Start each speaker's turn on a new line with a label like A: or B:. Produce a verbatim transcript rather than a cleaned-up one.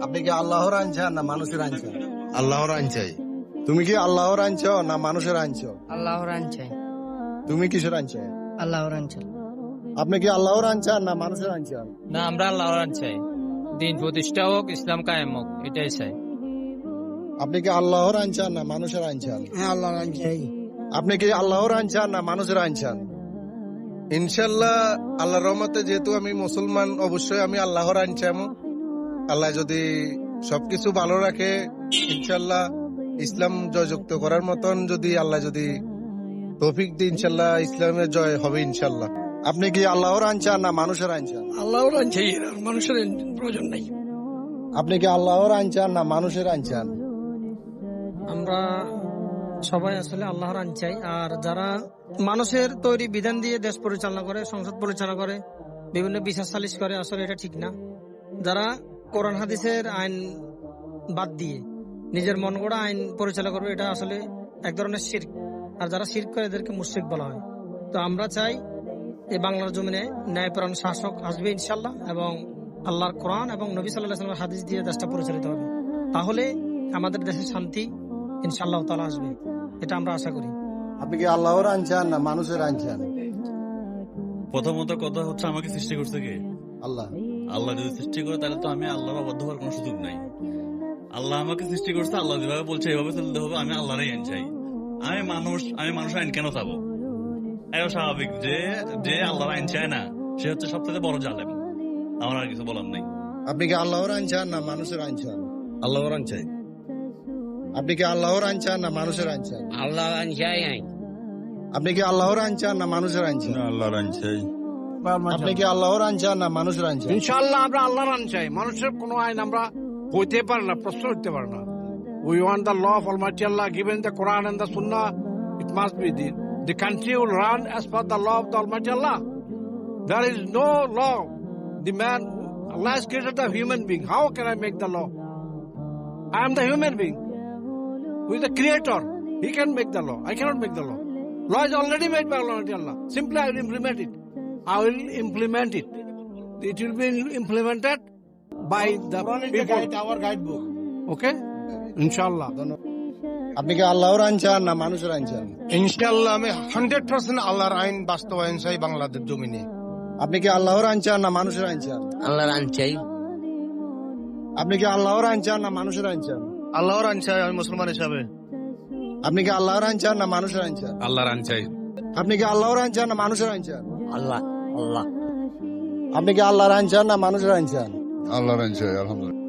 A: আপনি কি আল্লাহর আইন চান না মানুষের আইন চান?
B: আল্লাহর আইন চাই।
A: তুমি কি আল্লাহর আইন চাও না মানুষের আইন চাও?
C: আল্লাহর আইন চাই।
A: তুমি কিসের আইন চাও?
C: আল্লাহর আইন চাই।
A: আপনি কি আল্লাহর আইন চান না মানুষের আইন চান?
D: না, আমরা আল্লাহর আইন চাই। দিন প্রতিষ্ঠা হোক, ইসলাম কায়েম হোক, এটাই চাই।
A: আপনি কি আল্লাহর আইন চান না মানুষের আইন চান?
C: হ্যাঁ, আল্লাহর আইন চাই।
A: আপনি কি আল্লাহর আইন চান না মানুষের আইন চান? ইনশাল্লাহ আল্লাহর রহমতে যেহেতু আমি মুসলমান, অবশ্যই আমি আল্লাহর আইন চাইবো। আল্লাহ যদি সবকিছু ভালো রাখে, ইনশাল্লাহ ইসলাম জয়যুক্ত করার মতন যদি আল্লাহ যদি তৌফিক দিয়ে, ইনশাল্লাহ ইসলামের জয় হবে ইনশাল্লাহ। আপনি কি আল্লাহর আইন চান না মানুষের আইন চান?
C: আল্লাহর আইন চাই, মানুষের আইন প্রয়োজন নাই।
A: আপনি কি আল্লাহর আইন চান না মানুষের আইন চান?
E: আমরা সবাই আসলে আল্লাহর আইন চাই। আর যারা মানুষের তৈরি বিধান দিয়ে দেশ পরিচালনা করে, সংসদ পরিচালনা করে, বিভিন্ন বিচার সালিশ করে, আসলে এটা ঠিক না। যারা কোরআন হাদিসের আইন বাদ দিয়ে নিজের মন গড়া আইন পরিচালনা করবে, এটা আসলে এক ধরনের শিরক। আর যারা শিরক করে এদেরকে মুশরিক বলা হয়। তো আমরা চাই এই বাংলার জমিনে ন্যায়পরায়ণ শাসক আসবে ইনশাল্লাহ, এবং আল্লাহর কোরআন এবং নবী সাল্লাল্লাহু আলাইহি ওয়াসাল্লামের হাদিস দিয়ে দেশটা পরিচালিত হবে। তাহলে আমাদের দেশে শান্তি ইনশাআল্লাহ তাআলা আসবে, এটা আমরা আশা করি।
A: আপনি কি আল্লাহর আইন চান না মানুষের আইন চান?
F: প্রথমত কথা হচ্ছে, আমাকে সৃষ্টি করছে কে?
A: আল্লাহ।
F: আল্লাহ যদি সৃষ্টি করে তাহলে তো আমি আল্লাহর অবাধ্য হওয়ার কোনো সুযোগ নাই। আল্লাহ আমাকে সৃষ্টি করছে, আল্লাহ যেভাবে বলছে এভাবে চলতে হবে। আমি আল্লাহরই আইন চাই। আমি মানুষ, আমি মানুষের আইন কেন চাবো? এটা স্বাভাবিক যে যে আল্লাহর আইন চায় না সে হচ্ছে সবথেকে বড় জালেম। আমার আর কিছু বলার নেই।
A: আপনি কি আল্লাহর আইন চান না মানুষের আইন চান?
B: আল্লাহর আইন চাই।
A: আপনি কি আল্লাহর আইন চান না মানুষের আইন চান?
C: আল্লাহর আইন চাই।
A: আপনি কি আল্লাহর আইন চান না মানুষের আইন চান?
B: আল্লাহর আইন চাই।
A: আপনি কি আল্লাহর আইন চান না মানুষের আইন চান?
G: ইনশাআল্লাহ আমরা আল্লাহর আইন চাই। মানুষের কোনো আইন আমরা হইতে পারে না, প্রশ্ন হইতে পারে না। We want the law of Almighty Allah given the Quran and the Sunnah. It must be the, the country will run as per the law of the Almighty Allah. There is no law. The man, Allah has created the human being. How can I make the law? I am the human being. Who is the creator? He can make the law. I cannot make the law. Law is already made by Almighty Allah. Simply I will implement it. I will implement it. It will be implemented by the people.
A: Our guidebook.
G: Okay? Inshallah.
A: আপনি কি আল্লাহর আইন চান না মানুষের আইন চান?
B: ইনশাআল্লাহ আমি হান্ড্রেড পার্সেন্ট আল্লাহর আইন বাস্তবায়ন চাই বাংলাদেশ জমিনে।
A: আপনি কি আল্লাহর আইন চান না মানুষের আইন চান?
C: আল্লাহর আইন চাই।
A: আপনি কি আল্লাহর আইন চান না মানুষের আইন চান?
B: আল্লাহর আইন চাই আমি মুসলমান হিসাবে।
A: আপনি কি আল্লাহর আইন চান না মানুষের আইন চান?
B: আল্লাহর আইন চাই।
A: আপনি কি আল্লাহর আইন চান না মানুষের আইন চান?
C: আল্লাহ আল্লাহ।
A: আপনি কি আল্লাহর আইন চান না মানুষের আইন চান?
B: আল্লাহর আইন চাই, আলহামদুলিল্লাহ।